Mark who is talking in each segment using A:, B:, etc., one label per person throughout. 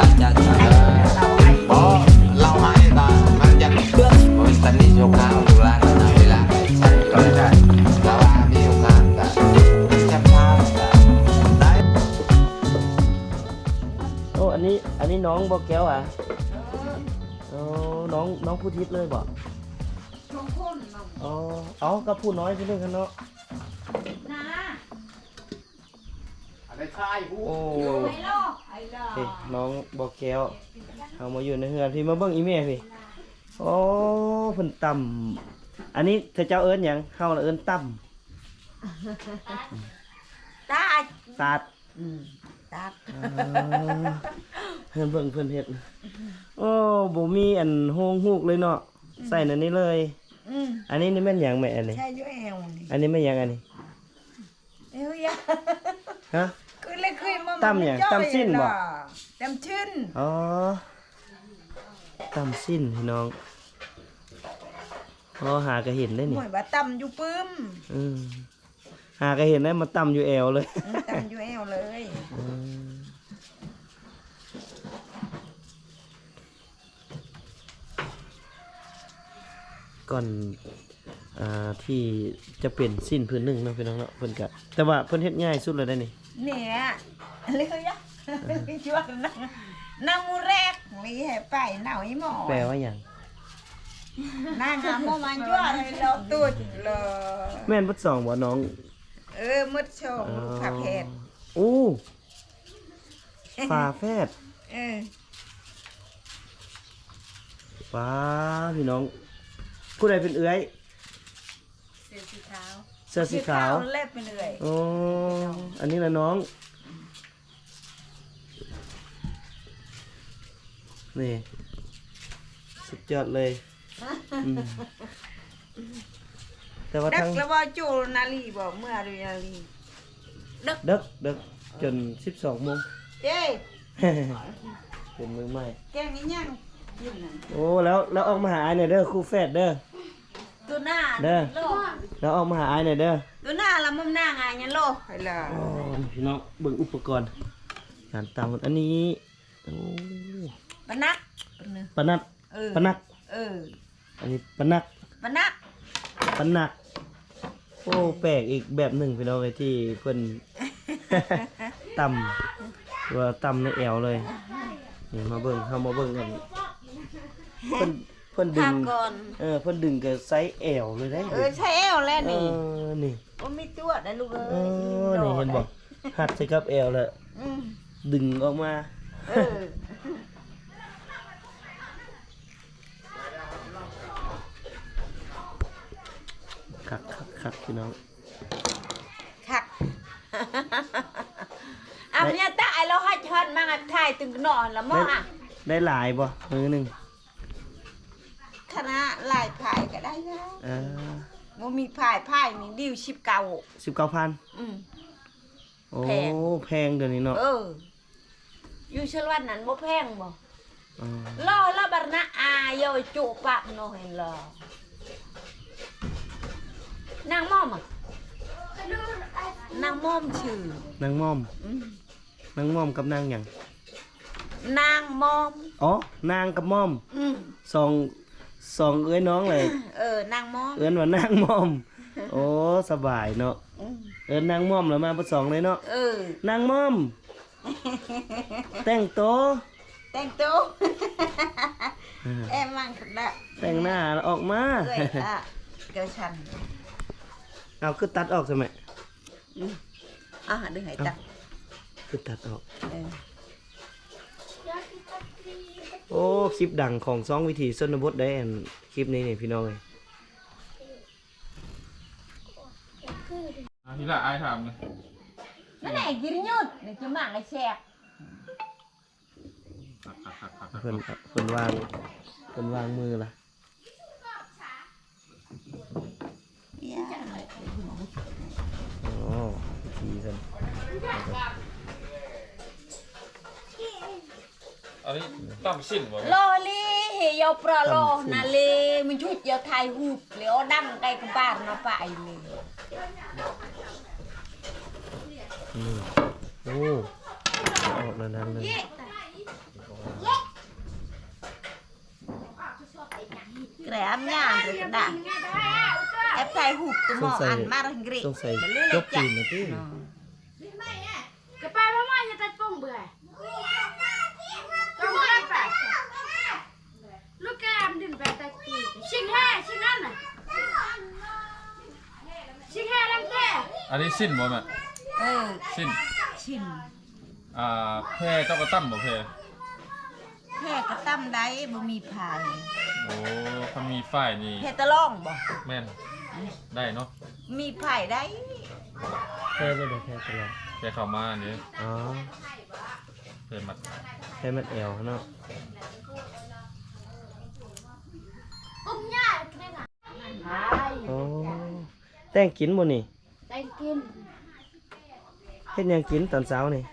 A: จะเพราะเราให้ก็มันจะเพื่อนมันตอนนี้โชว์ข้าวดูร้านนะเวลาใช้ก็ได้แล้วว่ามีโอกาสก็จับภาพได้
B: โอ้อันนี้น้องบอกแก้วอ่ะโอ้น้องผู้ทิศเลยบ่อ๋อเอากับผู้น้อยพี่นึงกันเนาะโอ้เฮ้ยน้องบอกแก้วเอามาอยู่ในเฮือนพี่มาเบิ่งอีเม่พี่โอ้เพิ่นต่ำอันนี้เธอเจ้าเอิ้นหยังเฮาเอิ้นต่ำตาดตาดเพิ่นเบิ่งเพิ่นเฮ็ดโอ้บ่มีอันโฮงฮูกเลยเนาะใส่นั่นนี่เลยอันนี้นี่แม่นหยังแม่อันนี้
C: ใช่อยู่แอวนี่
B: อันนี้แม่นหยังอันนี้
C: เอ้ย
B: ฮะ
C: คือเลยเคยมา
B: ตำหยังตำสิ้นบ่
C: ตำชิ้น
B: อ๋อตำสิ้นพี่น้องอ๋อหาก็เห็นได้นี่
C: หน่วยว่าตำอยู่ปึ้ม
B: หาก็เห็นได้มาตำอยู่แอวเลย
C: ตำอยู่แอวเลย
B: ก่อนที่จะเป็นสิ้นพื้นหนึ่งเนาะพี่น้องเนาะเพิ่นก็แต่ว่าเพิ่นเฮ็ดง่ายสุดเลยได้นี่
C: เนี่ยเลยอ่ะชวนนั่งมูแรกมีให้ไปหน่าอีหมอ
B: แปลว่าหยัง
C: นั่งโมมันยั่วเลยเราตูดเลย
B: แม่นบ่สองบ่น้อง
C: มืดโชว์ฝาแฝด
B: โอ้ฝาแฝดป้าพี่น้องผู้ใดเป็นเอื้อย
C: เสื้อสีขาวเล็บเป็นเอื้อย
B: โอ้อันนี้ละน้องนี่สุดยอดเลยแต่ว่าทั้ง
C: แล้วว่าจูนาลีบอกเมื่อดูนาลี
B: ดึกจน12 โมง
C: เจ้
B: เป็นมือใหม่
C: แกงนี้ยัง
B: โอ้แล้วออกมาหาไอ้หน่อยเด้อครูแฝดเด้อ
C: ตัวหน้า
B: เด้อแล้วออกมาหาไอ้หน่อยเด้อ
C: ตัวหน้าละมุมหน้าไงยันโลไปละ
B: พี่น้องเบิ่งอุปกรณ์การตำอันนี้โอ้
C: ปนัก
B: ปนัดอันนี้ปนักโอ้แปลกอีกแบบหนึ่งพี่น้องเลยที่เพิ่นตำว่าตำในแอวเลยนี่มาเบิ่งเฮามาเบิ่งกันเพิ่นดึงเพิ่นดึงกับไซส์แอวเลยได้
C: ใช้แอวแล้วนี่
B: นี่
C: บ่มีตัวได้ลูกเอ้ย
B: นี่เห็นบ่หัดใส่กับแอวแล้วดึงออกมาคักพี่น้อง
C: คักเนี่ยตาไอเราให้ชันมาถ่ายตึงนอนแล้วมั้ง
B: ได้หลายบ่มือหนึ่ง
C: คณะหลายพายก็ได้แล้วมันมีพายนี่ดิว19,000
B: โอ้แพงเดี๋ยวนี้เนาะ
C: อยู่ชลวันนั้นบ่แพงบ่ล่อละบรรณะอาโยจุปะโนเห็นล่อนางม่อมนางม่อมชื่อน
B: างม่อมกับนางหยัง
C: นางม่อม
B: อ๋อนางกับม่อมสองเอ้ยน้องเลย
C: นางม่อม
B: ว่านางม่อมโอ้สบายเนาะนางม่อมแล้วมาผสมเลยเนาะนางม่อมแต่งโต
C: มั่งขึ้นละ
B: แต่งหน้าออกมา
C: เกิดฉัน
B: เอาคือตัดออกใช่ไหม
C: ดึงให้ตัด
B: คือตัดออกโอ้คลิปดังของซองวิถีชนบทได้คลิปนี้นี่พี่น้องเลย
D: ทีละไอ้ทำเลย
C: นั่นไหนกินยุดนี่จะหมักไอ้แฉก
B: เพิ่นวางมือละโอ้ทีกัน
D: อันนี้ตั้มสิ้นบ่
C: โลลีเฮียปลาโลนาเลมันชุดยาไทยหูเลี้ยวดังไกลกับบ้านมาไปเลย
B: โอ้ออกแล้วนั่นเลย
C: kreamnya ada eftai huk tu mau an marah ngri
B: สงสัยจบจีนนะพี่
E: Cái ba mama nhà ta phong bữa. Không có phải. Lúc em đừng về ta tì. Sinh ăn này. Sinh hai làm thế.
D: อันนี้สิ้นบ่แม่ สิ้น
C: ชิน
D: แพร่เจ้ากระตั้มบ่แพร่
C: แพ่กระตั้มได้บ่มีพาย
D: โอ้เขามีฝ้ายนี่
C: แพ่ตะล่องบ่
D: แม่นได้เนาะ
C: มีพายได้
B: แพ้ไม่ได้แพ้ตลอด
D: แพร่เข้ามานี่
B: อ๋อ
D: แพร่มัด
B: แพ้มันแอวเนาะ
E: Ôm nha cái này.
B: อ๋อแต่งกินบ่นี่
E: Đây kim.
B: เฮ็ดหยังกินตอนเช้านี่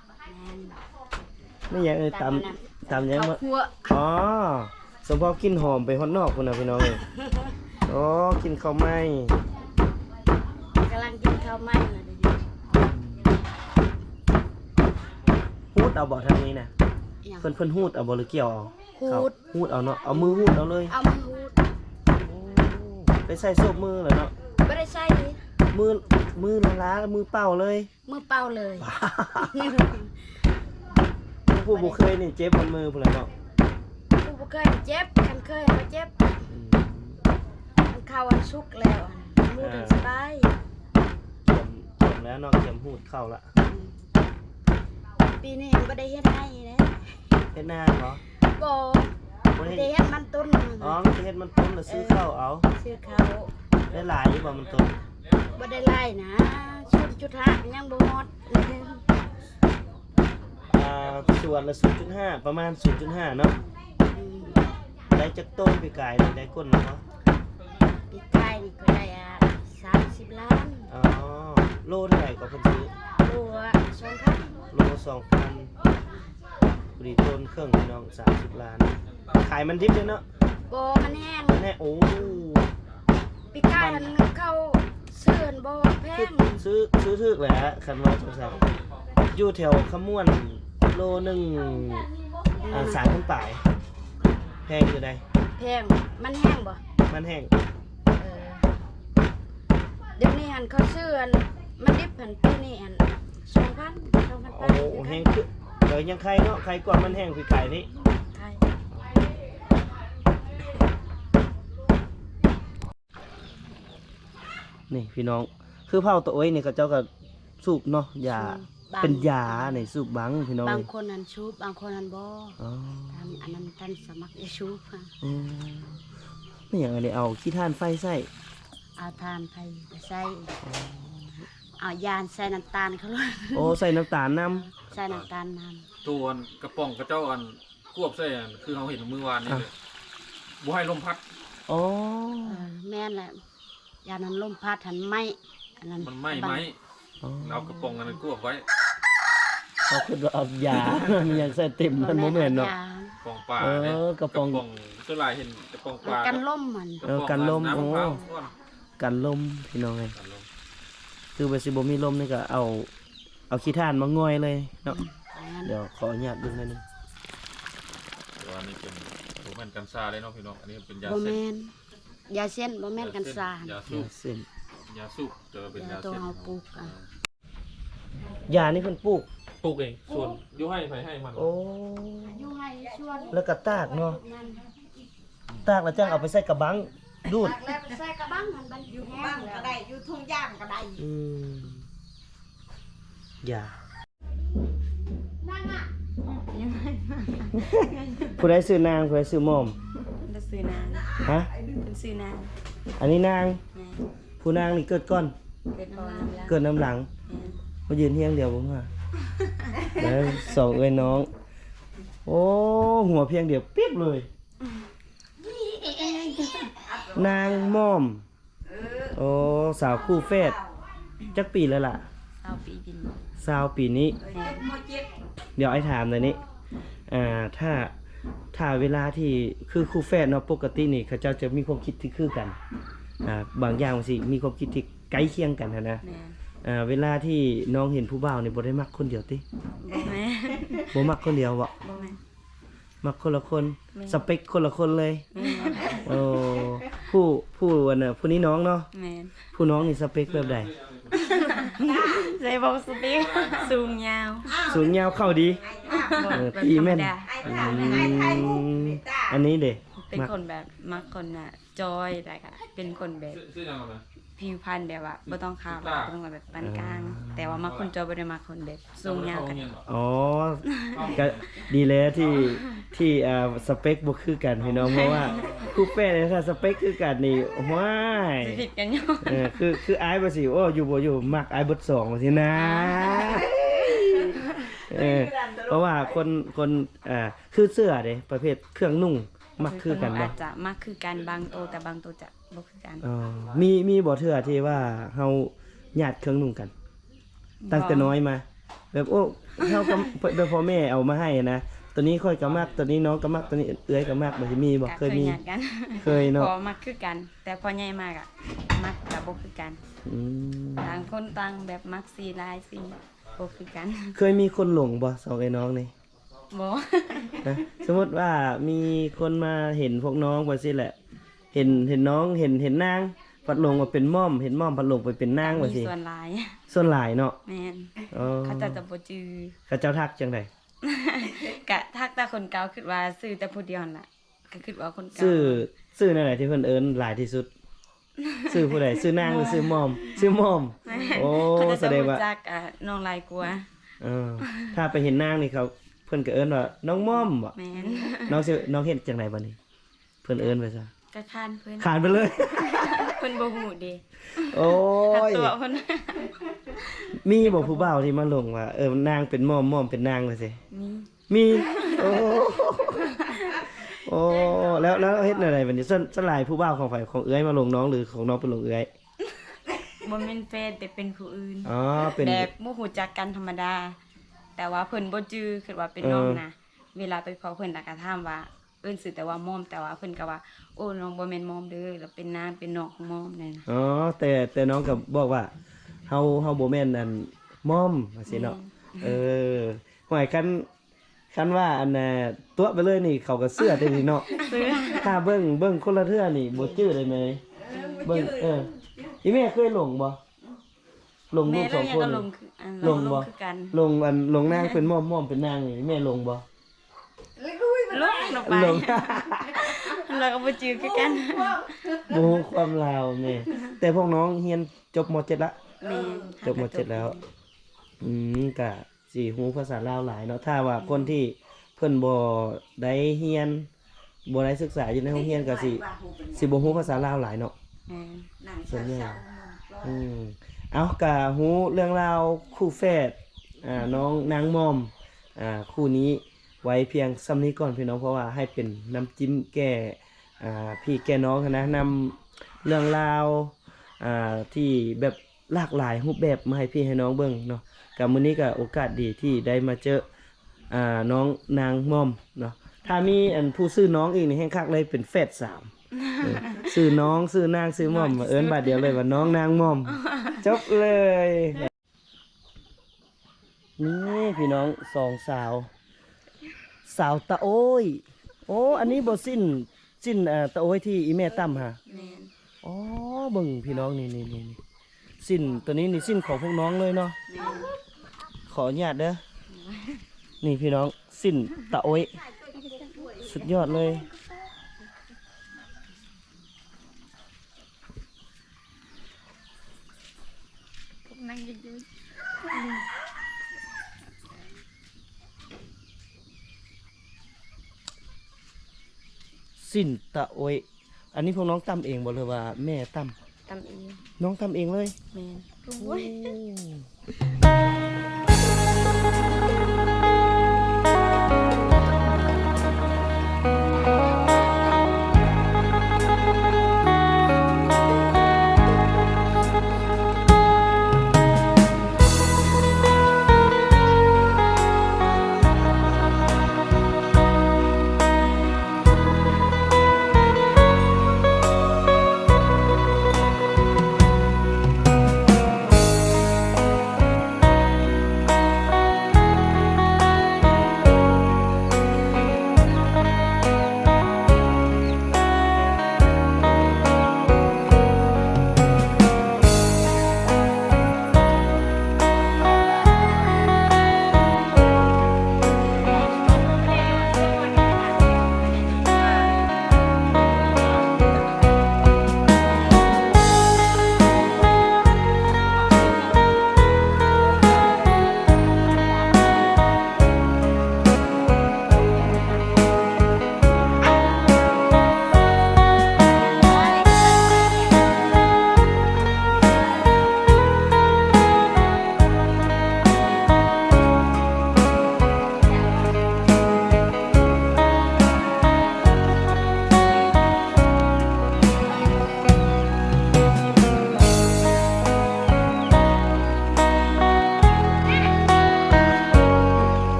B: ไม่หยังตำหยังมา
C: Cua
B: อ๋อสมพอกินหอมไปฮอดนอกพุ่นน่ะพี่น้องเอ้ยอ๋อกินข้าวไหม้
C: กำลังกินข้าวไหม้น่ะเดี๋ยว
B: ฮูดเอาบ่ทางนี้น่ะ
C: นี้
B: เพิ่นฮูดเอาบ่หรือเกี่ยวเอา
C: ฮูด
B: ฮูดเอาเนาะเอามือฮูดเอาเลย
C: เอามาฮูด
B: ไปใส่โซบมือเลยเนาะ
C: ไม่ได้ใส่ดิ
B: มือล้าๆมือเปล่าเลย
C: มือเปล่าเลย
B: ผู้บ่เคยนี่เจ็บบนมือพุ่นแหละเนาะ
C: กูบ่เคยเจ็บกันเคยมาเจ็บมันเข้าวันสุกร์แล้วมูดสบาย
B: เข็มแล้วเนาะเข็มหูดเข้าละ
C: ปีนี้บ่ได้เฮ็ดให้นะ
B: เฮ็ดหน้าเหรอ
C: บ่
B: บ่
C: ได้
B: ได้เฮ็
C: เฮ็
B: ด
C: ดมันต้น
B: อ๋อมันจะเฮ็ดมันต้นแล้วซื้อข้าวเอา
C: ซื้อเขา
B: ได้หลายอยู่บ่มันต้น
C: บ่ได้ไล่นะ0.5ยังบ่ฮอด
B: ส่วนละ 0.5 ประมาณ 0.5 เนาะได้จักต้นปีกายนี่ได้ก้นเนาะ
C: ปีกายนี่ก็ได้30 ล้าน
B: อ๋อโลเท่าไหร่ก็เพิ่นซื้อ
C: โลละ2,000
B: โล 2,000พอดีต้นเครื่องพี่น้อง30 ล้าน ขายมันดิบเลยเนาะ
C: บ่มันแห้ง
B: แน่โอ้
C: ปีกายมันเข้าเสื่อนบ่แพง
B: ซื้อถึกแหละคันว่าจังซั่นอยู่แถวขมวนโลหนึง3,000ปลายแพงอยู่ได้
C: แพงมันแห้งบ่
B: มันแห้ง
C: เออเดี๋ยวนี้หันเขาเสื่อนมันดิบหันปีนี้หัน2,000
B: โอ้แห้งคือเดี๋ยวยังใครเนาะใครก่อนมันแห้งปีกายนี่
C: ใช่
B: นี่พี่น้องคือเผาตัวโอ้ยนี่ก็เจ้าก็สูบเนาะยาเป็นยาในสูบบังพี่น้อง
C: บางคนหันชูบบางคนหันบ่
B: อ๋อ
C: ทำอันนั้นท่านสมัครจะชูบค่ะ
B: อืมไม่อย่างอันนี้เอาขี้ท่านไฟใส่
C: เอาทานไปใส่เอายานใส่น้ำตาลเขาเลย
B: โอ้ใส่น้ำตาลน้
C: ใส่น้ำตาลน้
D: ตัวอันกระป๋องกระเจ้าอันควบใส่อันคือเราเห็นเมื่อวานนี่เลยบ่ให้ลมพัด
B: ำอ๋อ
C: ำแม่นแหละยานั้นลมพัดหันไหมอันนั้น
D: มันไหม้
B: อ๋อ
D: เอากระป๋องอันนั้นควบไว้
B: เอาคือเอายา มันยังใส่เต็มมันโมเมนเนาะ
C: ย
D: กระป๋องปลา
B: เออ
D: เนี่ย
B: กระป๋อง
D: ตัวลายเห็นกระป๋องปลา
C: กันล่มมัน
D: ระป๋อง
B: กันลม
D: น้ำมะพร้าว
B: โอ้ กันลมพี่น้องไง
D: กันลม
B: คือไปสิบ่มีลมนี่ก็เอาขี้ท่านมาง่อยเลยเนาะ
C: อย่างนั้น
B: เดี๋ยวขออนุญาตดูหน่อยหนึง
D: แต่ว่านี่เป็นโรแมนกันซาเลยเนาะพี่น้องอันนี้เป็นยา
C: บ่
D: เส้น
C: แม่นยาเส้นบ่แม่นกันสาร
D: ยาสูบ
B: เส้น
D: ยาสูบจะเป็นยา
C: ตัว
D: เส้น
C: เอาปลูกอ่ะ
B: ยานี่เพิ่นปลูก
D: ปลูกเองส่วนยุให้ไผให้มัน
B: โอ้
C: อยู่ให้ชวน
B: แล้วก็ตากเนาะ
C: นั่น
B: ตากแล้วจังเอาไปใส่กระบังดูด
C: ตักแล้วไปใส่กระบังมันบันอยู่แห้งก็ได้อยู่ทุ่งย่างก็ได้
B: อืมยา
C: นั่นน่ะ
B: ผู้ใดซื้อนางผู้ใดซื้อหม่อม
C: เป็นซื้อนาง
B: ฮะ
C: เป็นซื้อนาง
B: อันนี้นาง
C: แม่
B: ผู้นางนี่เกิดก่อน
C: เกิดน้ำแล้ว
B: เกิดน้ำหลัง มายืนเฮียงเดียวผมว่าแล้วสองเอ้ยน้อง โอ้หัวเพียงเดียวเปียบเลย นางม่อม โอ้สาวคู่แฝดจักปีแล้วล่ะ
C: 20 ปีกิน
B: 20 ปีนี้ เดี๋ยวไอ้ถามหน่อยนี้ถ้าเวลาที่คือคู่แฝดเนาะปกตินี่เขาเจ้าจะมีความคิดที่คือกันบางอย่างสิมีความคิดที่ใกล้เคียงกันนะ
C: แม่
B: เวลาที่น้องเห็นผู้บ่าวนี่บ่ได้มักคนเดียวติ
C: บ่แม่
B: บ่มักคนเดียวบ่
C: บ่แม่
B: มักคนละคน
C: แม่น
B: สเปคคนละคนเลย
C: แม่น
B: โอ้ผู้วันน่ะผู้นี้น้องเนาะ
C: แม่น
B: ผู้น้องนี่สเปคแบบใด
C: ใส่บอกสปีกสูงยาว
B: สูงยาวเข้าดี
C: บอกแบบ
B: ตี
C: ธรร
B: แม่
C: ม
B: น
C: ดา
B: อันนี้เด้
C: เป็น
B: มัก
C: คนแบบมักคนน่ะจอยแต่ก็เป็นคนแบบ
D: ซื้อยังไง
C: ผิวพรรณแบบว่าบ่ต้องขาวบ่ต้องแบบปานกลาง แต่ว่ามักคนจอยบ่ได้มักคนแบบสูงยาวกัน
B: อ๋อก็ดีแล้วที่สเปคบ่คือกันพี่น้องเพราะว่าคู่แป้เนี่ยถ้าสเปคคือกันนี่ว้าย
C: สิผิดกันอยู่
B: คืออายบ่สิโอ้อยู่บ่อยู่มักอายเบิดสองว่าสินะเพราะว่าคนคือเสื้อเด้ประเภทเครื่องนุ่งมักคือกันบ่
C: อาจจะมักคือกันบางโตวแต่บางโตวจะบ่คือกัน
B: อ๋อมีบ่เทื่อที่ว่าเฮาญาติเครื่องนุ่งกัน ตั้งแต่น้อยมา แบบโอ้เฮาก็แบบพ่อแม่เอามาให้นะตัวนี้ค่อยก็มักตัวนี้น้องก็มักตัวนี้เอื้อยก็มักบ่สิมีบ่
C: ก็
B: เคยมี
C: ญาติกัน
B: เคยเนาะ
C: พอมักคือกัน แต่พอใหญ่มากอ่ะมักกับบ่คือกัน
B: อืม
C: ต่างคนต่างแบบมักสีลายสีบ่คือกัน
B: เคยมีคนหลงบ่สองไอ้น้องนี่
C: บ่
B: นะสมมุติว่ามีคนมาเห็นพวกน้องว่าสิแหละ เห็นน้องเห็นนางพัดหลงว่าเป็นม่อมเห็นม่อมพัดหลงไปเป็นนางว่า
C: มี
B: สิ
C: ส่วนหลาย
B: ส่วนหลายเนาะ
C: แม่น
B: อ๋อ
C: เขาจะบ่จือ
B: เขาเจ้าทักจังได
C: กะทักแต่คนเก่าคิดว่าซื้อแต่ผู้เดียวนั่นล่ะก็คิดว่าคนเก่า
B: ชื่อนั่นแหละที่เพิ่นเอิ้นหลายที่สุดชื่อผู้ใดชื่อนางหรือชื่อม่อมชื่อม่อมโอ้
C: เขาจะ
B: แสดงว่า
C: รู้จักน้องหลายกว่า
B: ถ้าไปเห็นนางนี่เขาเพิ่นก็เอิ้นว่าน้องม่อมบ่
C: แม่น
B: น้องเฮ็ดจังไดบัดนี้ เพิ่นเอิ้นไปซะ
C: ก็คานเพิ่น
B: ขานไปเลย
C: เพิ่นบ่ฮู้เด้
B: โอ้
C: ถ้าย ตัวเพิ่น
B: มีบ่ผู้บ่าวที่มาลงว่านางเป็นม่อมม่อมเป็นนางว่าสิ
C: นี่
B: มีโอ้โอ้แล้วเฮ็ดอะไรบัดนี้สลายผู้บ่าวของฝ่ายของเอื้อยมาลงน้องหรือของน้องเป็นลงเอื้อย
C: บ่แม่นแฟนแต่เป็นผู้อื่น
B: อ๋อเป็น
C: แบบบ่ฮู้จักกันธรรมดา แต่ว่าเพิ่นบ่จื้อคิดว่าเป็นน้องนะเวลาไปพอเพิ่นแล้วก็ถามว่าเอิ้นชื่อแต่ว่ามอมแต่ว่าเพิ่นก็ว่าโอ้น้องบ่แม่นมอมเด้อแล้วเป็นน้าเป็นน้องของมอมนั่นน่ะ
B: อ๋อแต่น้องก็บอกว่าเฮาบ่แม่นอันม่อมว่าซี่เนาะหอยคันว่าอันน่ะตัวไปเลยนี่เขาก็เสื้อได้นี่เนาะ
C: ซื้อ
B: ถ้าเบิ่งคนละเทื่อนี่บ่จื้อได้ไหมเบิ่งอีแม่เคยหลงบ่หลงลู
C: แม่
B: กส
C: แล้
B: อ
C: ว
B: ง
C: ยัง
B: คน
C: ก็ล
B: นี่
C: งคืออัน
B: ลงบ่
C: คือกัน
B: หลงนางเป็นม่อมเป็นนางนี่แม่หลงบ่
C: ลงไป
B: หลง
C: แล้วก็บ่จื้อคือกัน
B: โมความลาวแม่แต่พวกน้องเรียนจบม .7 ละ
C: แม่
B: จบม .7 แล้วก็สิฮู้ภาษาลาวหลายเนาะถ้าว่าคนที่เพิ่นบ่ได้เรียนบ่ได้ศึกษาอยู่ในโรงเรียนก็สิบ่ฮู้ภาษาลาวหลายเนาะ
C: แม่
B: ส่วนใหญ่เอาก็ฮู้เรื่องราวคู่แฝดน้องนางมอมคู่นี้ไว้เพียงซ้ำนี้ก่อนพี่น้องเพราะว่าให้เป็นน้ำจิ้มแก้พี่แก้น้องนะนำเรื่องราวที่แบบหลากหลายรูปแบบมาให้พี่ให้น้องเบิ่งเนาะกับมื้อนี้ก็โอกาสดีที่ได้มาเจอน้องนางมอมเนาะถ้ามีอันผู้ซื้อน้องอีกนี่แห่งคักเลยเป็นแฝด3ซื้อน้องซื้อนางซื้อมอมเอิ้นบาดเดียวเลยว่าน้องนางมอมจบเลยนี่พี่น้องสองสาวตะโอ้ยโอ้อันนี้บ่สิ้นตะโอ้ยที่อีแม่ตั้มฮะ
C: แม่น
B: อ๋อเบิ่งพี่น้องนี่สิ้นตัวนี้นี่สิ้นของพวกน้องเลยเนาะ
C: แม่น
B: ขออนุญาตเด้อนี่พี่น้องสิ้นตะโอ้ยสุดยอดเลย
C: นั่งอยู่
B: สิ้นตะโอ้ยอันนี้พวกน้องตั้มเองบ่หรือว่าแม่ตั้ม
C: ตำเอง
B: น้องตั้มเองเลย
C: แม่น
B: โอ้